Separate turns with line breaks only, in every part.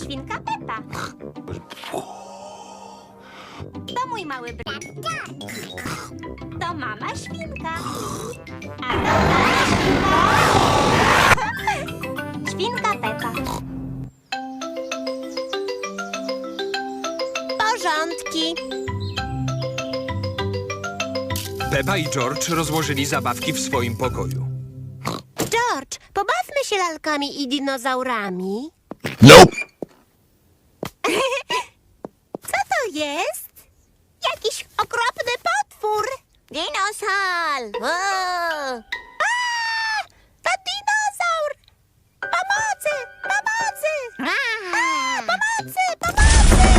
świnka Pepa. To mój mały brat. To mama świnka. A to tata świnka. Świnka Pepa. Porządki.
Pepa i George rozłożyli zabawki w swoim pokoju.
George, pobawmy się lalkami i dinozaurami.
Nope.
Co to jest? Jakiś okropny potwór. Dinosaur. To dinozaur. Pomocy, pomocy. Pomocy, pomocy.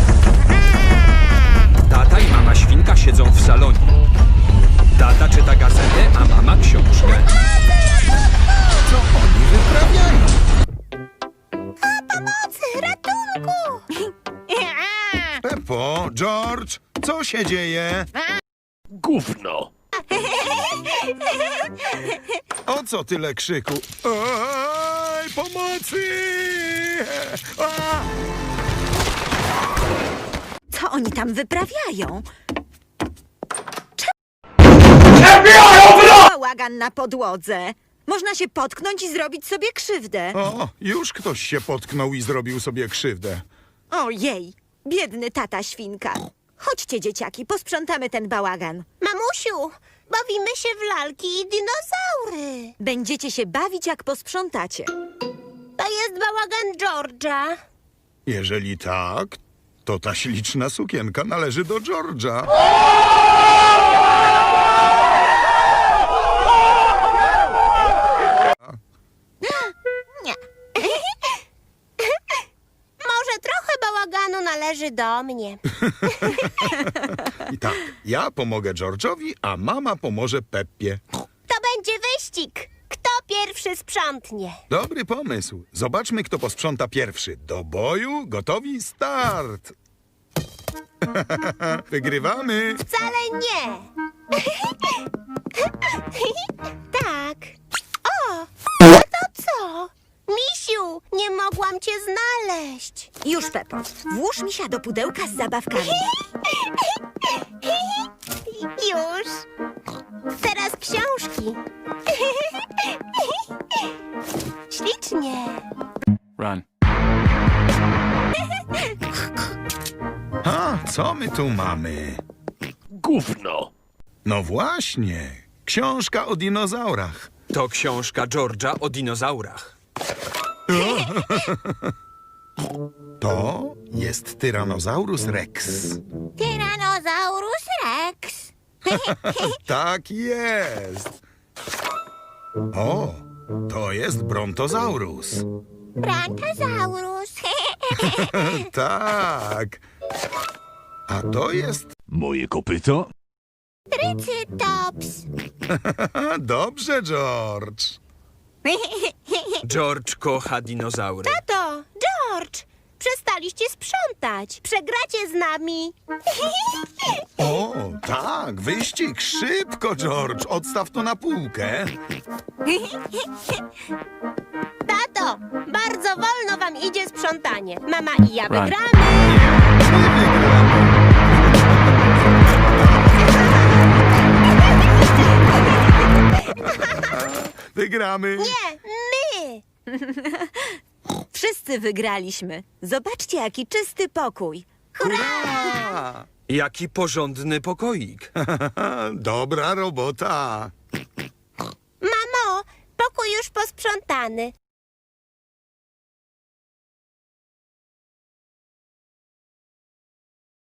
Tata i mama świnka siedzą w salonie. Tata czyta gazetę, a mama książkę.
Co oni wyprawiają?
Pomocy, ratunku.
Peppo, George, co się dzieje?
Gówno!
O co tyle krzyku? Oj, pomocy! A!
Co oni tam wyprawiają? Bałagan na podłodze. Można się potknąć i zrobić sobie krzywdę.
O, już ktoś się potknął i zrobił sobie krzywdę.
Ojej, biedny tata świnka. Chodźcie, dzieciaki, posprzątamy ten bałagan.
Mamusiu, bawimy się w lalki i dinozaury.
Będziecie się bawić, jak posprzątacie.
To jest bałagan George'a.
Jeżeli tak, to ta śliczna sukienka należy do George'a.
Nie. Może trochę bałaganu należy do mnie.
I tak, ja pomogę George'owi, a mama pomoże Peppie.
To będzie wyścig. Kto pierwszy sprzątnie?
Dobry pomysł. Zobaczmy, kto posprząta pierwszy. Do boju, gotowi, start! Wygrywamy!
Wcale nie. Tak. O, a to co? Misiu, nie mogłam cię znaleźć.
Już, Pepo, włóż misia do pudełka z zabawkami.
Już. Teraz książki. Ślicznie.
Run.
A, co my tu mamy?
Gówno!
No właśnie, książka o dinozaurach.
To książka George'a o dinozaurach.
To jest Tyrannosaurus Rex.
Tyrannosaurus Rex.
Tak jest. O, to jest Brontosaurus.
Brontosaurus.
Tak. A to jest...
Moje kopyto?
Trycytops.
Dobrze, George.
George kocha dinozaury.
Tato, George, przestaliście sprzątać. Przegracie z nami.
O, tak, wyścig, szybko, George. Odstaw to na półkę.
Tato, bardzo wolno wam idzie sprzątanie. Mama i ja
Right.
wygramy.
My wygramy. Wygramy.
Nie, my.
Wszyscy wygraliśmy. Zobaczcie, jaki czysty pokój.
Hurra!
Jaki porządny pokoik.
Dobra robota.
Mamo, pokój już posprzątany.